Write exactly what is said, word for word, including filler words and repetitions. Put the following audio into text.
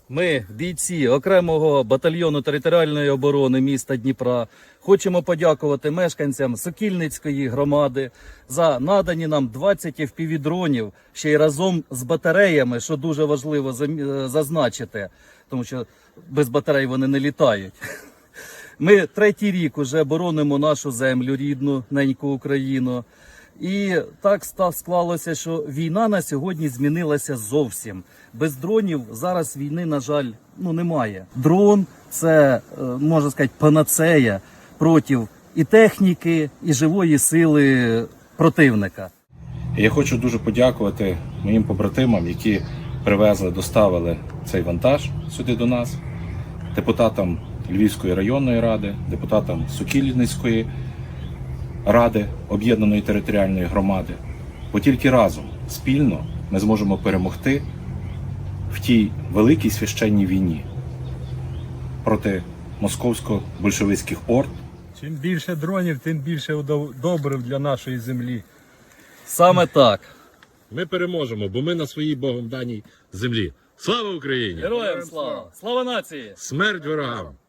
Ми, бійці окремого батальйону територіальної оборони міста Дніпра, хочемо подякувати мешканцям Сокільницької громади за надані нам двадцять еф пі ві-дронів, ще й разом з батареями, що дуже важливо зазначити, тому що без батарей вони не літають. Ми третій рік уже боронимо нашу землю рідну, неньку Україну. І так склалося, що війна на сьогодні змінилася зовсім. Без дронів зараз війни, на жаль, ну, немає. Дрон – це, можна сказати, панацея проти і техніки, і живої сили противника. Я хочу дуже подякувати моїм побратимам, які привезли, доставили цей вантаж сюди до нас, депутатам Львівської районної ради, депутатам Сокільницької ради об'єднаної територіальної громади. Бо тільки разом, спільно, ми зможемо перемогти в тій великій священній війні проти московсько-большевицьких орд. Чим більше дронів, тим більше добрив для нашої землі. Саме так. Ми переможемо, бо ми на своїй Богом даній землі. Слава Україні! Героям слава! Слава нації! Смерть ворогам!